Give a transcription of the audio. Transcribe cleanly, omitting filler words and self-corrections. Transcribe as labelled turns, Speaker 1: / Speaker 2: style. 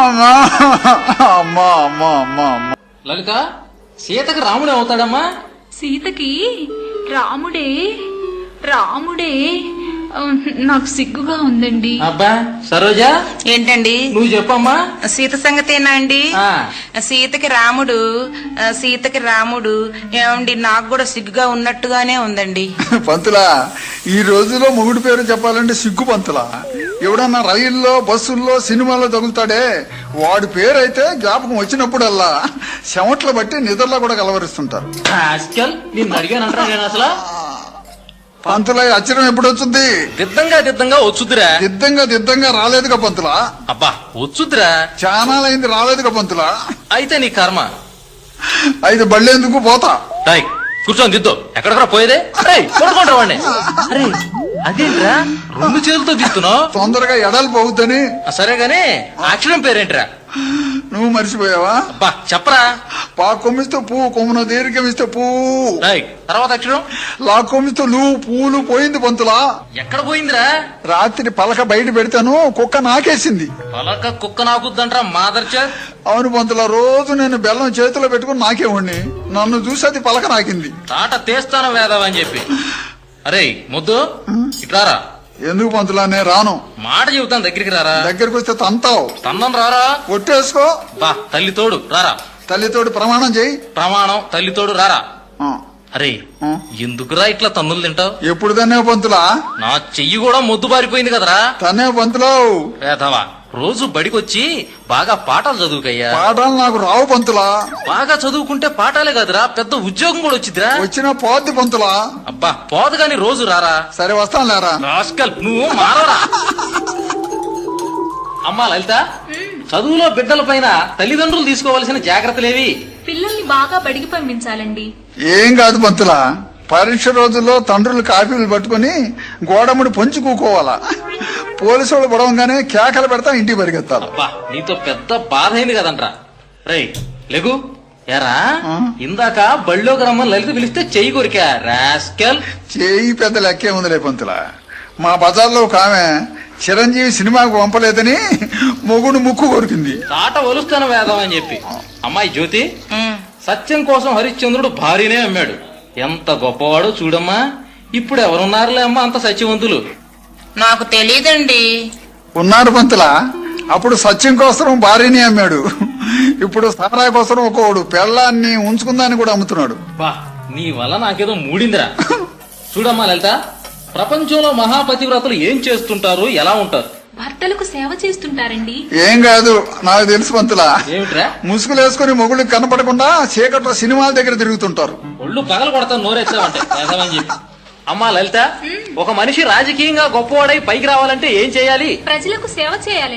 Speaker 1: అమ్మా అమ్మా అమ్మా అమ్మా అమ్మా.
Speaker 2: లలిత, సీతకి రాముడే అవుతాడమ్మా?
Speaker 3: సీతకి రాముడే రాముడే నాకు సిగ్గుగా ఉందండి.
Speaker 2: అబ్బా సరోజా,
Speaker 4: ఏంటండి?
Speaker 2: నువ్వు చెప్పమ్మా.
Speaker 4: సీత సంగతేనా అండి?
Speaker 2: ఆ.
Speaker 4: సీతకి రాముడు ఏమండి? నాకు కూడా సిగ్గుగా ఉన్నట్టుగానే ఉందండి.
Speaker 1: పంతులా, ఈ రోజులో మొగుడు పేరు చెప్పాలంటే సిగ్గు పంతులా. ఎవడన్నా రైల్లో బస్సుల్లో సినిమాల్లో తగులుతాడే వాడి పేరు అయితే జ్ఞాపకం వచ్చినప్పుడల్లా చెమట్లు బట్టి నిద్రలో కూడా కలవరిస్తుంటారు.
Speaker 2: ఆస్కల్, నిన్ను అడిగానంటారా నేను అసలు?
Speaker 1: పంతులా, ఈ అచ్చరం ఎప్పుడు వచ్చింది?
Speaker 2: దిద్దంగా వచ్చుద్దిరా.
Speaker 1: దిద్దంగా రాలేదుగా పంతులా.
Speaker 2: అబ్బా వచ్చుద్దిరా.
Speaker 1: చానాలైంది రాలేదుగా పంతులా.
Speaker 2: అయితే నీ కర్మ.
Speaker 1: అయితే బళ్ళేందుకు పోతా.
Speaker 2: టాయ్ కూర్చొని దిద్దు. ఎక్కడికరా పోయేదే? కొడుకుంటా వాడిని. అరే అదేంట్రా, రెండు చేతులతో దిస్తున్నావు?
Speaker 1: తొందరగా ఎడలు పోవద్దని.
Speaker 2: సరే గాని అక్షరం పేరేంట్రా?
Speaker 1: నువ్వు మర్చిపోయావా?
Speaker 2: అబ్బా చెప్పరా.
Speaker 1: పా కొమ్మిస్తే పువ్వు, కొమ్మున దీర్ఘమిస్తే పువ్వు.
Speaker 2: తర్వాత అక్షరం
Speaker 1: లా కొమ్మిస్తే నువ్వు పూలు పోయింది పంతులా.
Speaker 2: ఎక్కడ పోయిందిరా?
Speaker 1: రాత్రి పలక బయట పెడతాను కుక్క నాకేసింది.
Speaker 2: పలక కుక్క నాకుద్దంట్రా మాదర్చా.
Speaker 1: అవును పంతులా, రోజు నేను బెల్లం చేతిలో పెట్టుకుని నాకేవాడిని. నన్ను చూసి అది పలక నాకింది.
Speaker 2: తాట తీస్తాను వేదవని చెప్పి. అరే ముద్దు ఇట్లారా.
Speaker 1: ఎందుకు పంతులా? నేను రాను.
Speaker 2: మాట చెబుతాను, దగ్గరికి రారా.
Speaker 1: దగ్గరికి వస్తే తంతావు.
Speaker 2: తన్నం రారా.
Speaker 1: ఒట్టేసుకో.
Speaker 2: బా తల్లి తోడు రారా.
Speaker 1: తల్లితోటి ప్రమాణం చేయి.
Speaker 2: ప్రమాణం తల్లి తోడు రారా.
Speaker 1: ఆ,
Speaker 2: అరే
Speaker 1: ఆ.
Speaker 2: ఎందుకురా ఇట్లా తన్నులు తింటావు?
Speaker 1: ఎప్పుడు తనే పంతులా?
Speaker 2: నా చెయ్యి కూడా మొద్దు బారిపోయింది కదరా.
Speaker 1: తనే పంతులావు.
Speaker 2: వేదవా, రోజు బడికొచ్చి బాగా పాఠాలు చదువుకయ్యా.
Speaker 1: పాఠాలు నాకు రావు పంతులా.
Speaker 2: బాగా చదువుకుంటే పాఠాలే కదరా, పెద్ద ఉద్యోగం కూడా వచ్చిద్దిరా.
Speaker 1: వచ్చిన పోద్ది పంతులా.
Speaker 2: అబ్బా పోదు గాని రోజు రారా.
Speaker 1: సరే వస్తాను లేరా.
Speaker 2: రాస్కల్, నువ్వు మారవరా. అమ్మా లలిత, చదువులో బిడ్డల పైన తల్లిదండ్రులు తీసుకోవాల్సిన జాగ్రత్తలేవి?
Speaker 3: పిల్లల్ని బాగా బడికి పంపించాలండి.
Speaker 1: ఏం కాదు పంతులా, పరీక్ష రోజుల్లో తండ్రులు కాపీలు పట్టుకుని గోడముడి పొంచి కూకోవాలా. పోలీసు వాళ్ళు పడవంగానే కేకలు పెడతా ఇంటికి పరిగెత్తాలి.
Speaker 2: అబ్బా నీతో పెద్ద బాధ అయింది కదంట్రా. రేయ్ లెగు. ఎరా ఇందాక బళ్ళోకి రమ్మని లలిత పిలిస్తే చెయ్యి కొరికా రాస్కల్.
Speaker 1: చేయి పెద్ద లెక్కే ఉందిలే పంతులా. మా బజార్లో ఒక ఆమె చిరంజీవి సినిమాకు పంపలేదని మొగుడు ముక్కు కొరికింది.
Speaker 2: తాట ఒలుస్తాను వేదం అని చెప్పి. అమ్మాయి జ్యోతి, సత్యం కోసం హరిశ్చంద్రుడు భార్యనే అమ్మాడు. ఎంత గొప్పవాడో చూడమ్మా. ఇప్పుడు ఎవరున్నారులే అమ్మా అంత సత్యవంతులు?
Speaker 4: నాకు తెలీదండి.
Speaker 1: ఉన్నాడు పంతులా. అప్పుడు సత్యం కోసం భార్యని అమ్మాడు. ఇప్పుడు సారా కోసం ఒకడు పెళ్ళాన్ని ఉంచుకుందాన్ని కూడా అమ్ముతున్నాడు.
Speaker 2: బా నీ వల్ల నాకేదో మూడిందిరా. చూడమ్మా లలిత, ప్రపంచంలో మహాపతివ్రతలు ఏం చేస్తుంటారు, ఎలా ఉంటారు?
Speaker 3: భర్తలకు సేవ చేస్తుంటారండి.
Speaker 1: ఏం కాదు, నాకు తెలుసు పంతులా.
Speaker 2: ఏమిట్రా?
Speaker 1: ముసుగులు వేసుకుని మొగుళ్ళకి కనపడకుండా చీకట్లో సినిమాల దగ్గర తిరుగుతుంటారు.
Speaker 2: ఒళ్ళు పగలు కొడతాను నోరెచ్చావంటే వేదమని చెప్పి. అమ్మా లలిత, ఒక మనిషి రాజకీయంగా గొప్పవాడై పైకి రావాలంటే ఏం చేయాలి?
Speaker 3: ప్రజలకు సేవ చేయాలండి.